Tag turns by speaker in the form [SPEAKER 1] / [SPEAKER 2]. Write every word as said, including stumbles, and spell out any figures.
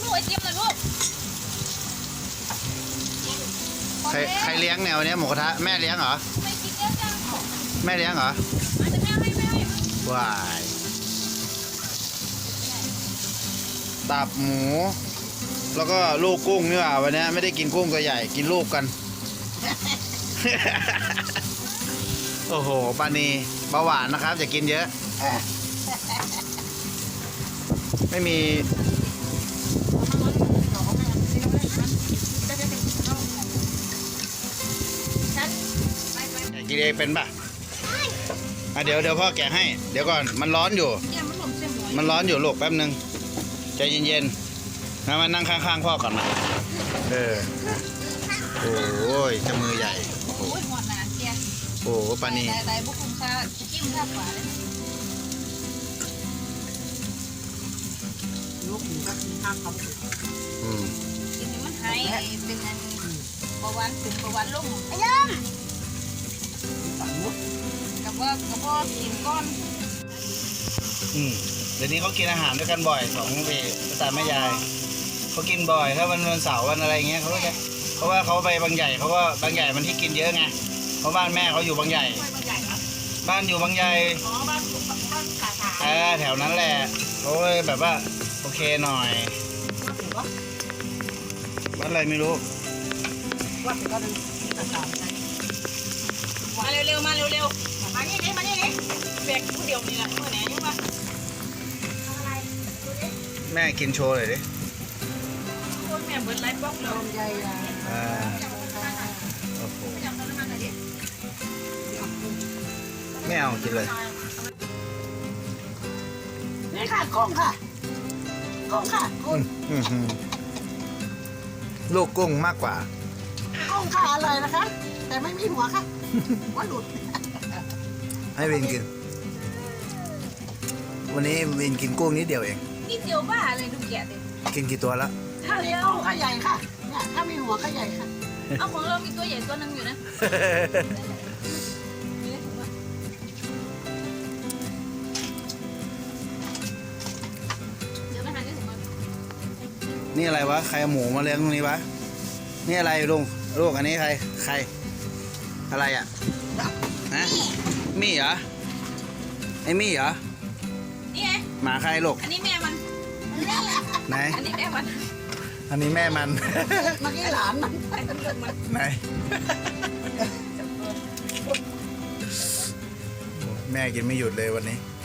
[SPEAKER 1] ไอติมนะลูก
[SPEAKER 2] ใครใครเลี้ยงแนวเนี้ยหมูกระทะแม่เลี้ยงเหรอ
[SPEAKER 1] ไม่กินเยอะจัง
[SPEAKER 2] แม่เลี้ยงเหรอ
[SPEAKER 1] อาจจะแม่ให้แม่ให้
[SPEAKER 2] ว้ายตับหมู แล้วก็ลูกกุ้งนี่หว่าวันนี้ไม่ได้กินกุ้งตัวใหญ่กินลูกกัน โอ้โหปานีเบาหวานนะครับอย่ากินเยอะ ไม่มีกินเองเป็นป่ะอ่ะเดี๋ยวเดี๋ยวพ่อแกะให้เดี๋ยวก่อนมันร้อนอยู่
[SPEAKER 1] เนี่ยมันหล่นเส้นหมู
[SPEAKER 2] มันร้อนอยู่ลูกแป๊บนึงใจเย็นๆนะมานั่งข้างๆพ่อก่อนนะเออโอ้ยจะมือใหญ่โอ้โห
[SPEAKER 1] โอ้ยหอดหนาเกีย
[SPEAKER 2] โอ้โหปานี
[SPEAKER 1] แต่แต่บุกคุ้มค่าจิ้มค่าขวาเลย
[SPEAKER 3] ลูกหมูก็กินข้าวเขา
[SPEAKER 2] อืม
[SPEAKER 1] กินให้มันหายเป็นอันเบาหวานถึงเบาหวานลงไอ้ย
[SPEAKER 3] สั่งมุก
[SPEAKER 1] ำกับว่ากับว่ากินก้อน
[SPEAKER 2] อืมเดี๋ยวนี้เขากินอาหารด้วยกันบ่อยสองเอภาษาแม่ยายเขากินบ่อยถ้าวันวันเสาร์วันอะไรเงี้ยเขาก็จะเพราะว่าเขาไปบางใหญ่เขาก็บางใหญ่มันที่กินเยอะไงเพราะบ้านแม่เขาอยู่บางใหญ่
[SPEAKER 1] บางใหญ่ครับ
[SPEAKER 2] บ้านอยู่บางใหญ่
[SPEAKER 1] อ๋อบ้านบ้านขาขา
[SPEAKER 2] เออแถวนั้นแหละเขาเลยแบบว่าโอเคหน่อย
[SPEAKER 3] ถือว่า
[SPEAKER 2] บ้านอะไรไม่รู้
[SPEAKER 3] ว่าถือว่าเป็นต่างๆใจ
[SPEAKER 1] มาเร็วๆมาเร็วๆมานี่นี่มานี่นี่แบกผู้เดียวนี่แหละเมื่อไหร่ยังวะ
[SPEAKER 2] แม่กินโชว์เลยดิ
[SPEAKER 1] คนแม่เบิร์ดไลฟ์บล็อกเรา
[SPEAKER 3] ลำไยอ่ะ
[SPEAKER 2] อ่าโอ้โห
[SPEAKER 1] อยากทำน้ำมันหน่อยดิ
[SPEAKER 2] ไม่เอากินเลย
[SPEAKER 3] นี่ค่ะกุ้งค่ะกุ้งค่ะกุ้ง
[SPEAKER 2] อืมอืมลูกกุ้งมากกว่า
[SPEAKER 3] กุ้งค่ะอร่อยนะคะ แต่ไม่มีหัวค่ะหัวหลุด
[SPEAKER 2] ให้วินกิน วันนี้วินกินกุ้งนิดเดียวเอง
[SPEAKER 1] นี่เดียวบ้าเลยดูแกะดิ
[SPEAKER 2] กินกี่ตัวแล้ว
[SPEAKER 1] ถ้า
[SPEAKER 3] นี่
[SPEAKER 1] เดียว
[SPEAKER 3] กุ้งก็ใหญ่ค่ะเนี่ยถ้ามีหัวก็ใหญ่ค่ะ
[SPEAKER 1] เอาของเรามีตัวใหญ่ตัวนึงอยู่นะเดี๋ยวไปหาที่ถุงก่อน
[SPEAKER 2] นี่อะไรวะ ใครเอาหมูมาเลี้ยงตรงนี้วะ นี่อะไรลุงลูกอันนี้ใคร ใคร อะไรอ่ะฮะมี่เหรอ ไอ้มี่เหรอ
[SPEAKER 1] นี่ไง
[SPEAKER 2] หมาใครลูก
[SPEAKER 1] อันนี้แม่มัน
[SPEAKER 2] ไหน
[SPEAKER 1] อันนี้แม่มัน
[SPEAKER 2] อันนี้แม่มัน
[SPEAKER 3] เมื่อกี้หลานมัน
[SPEAKER 1] ไอ้ตำรวจมัน
[SPEAKER 2] ไหน แม่กินไม่หยุดเลยวันนี้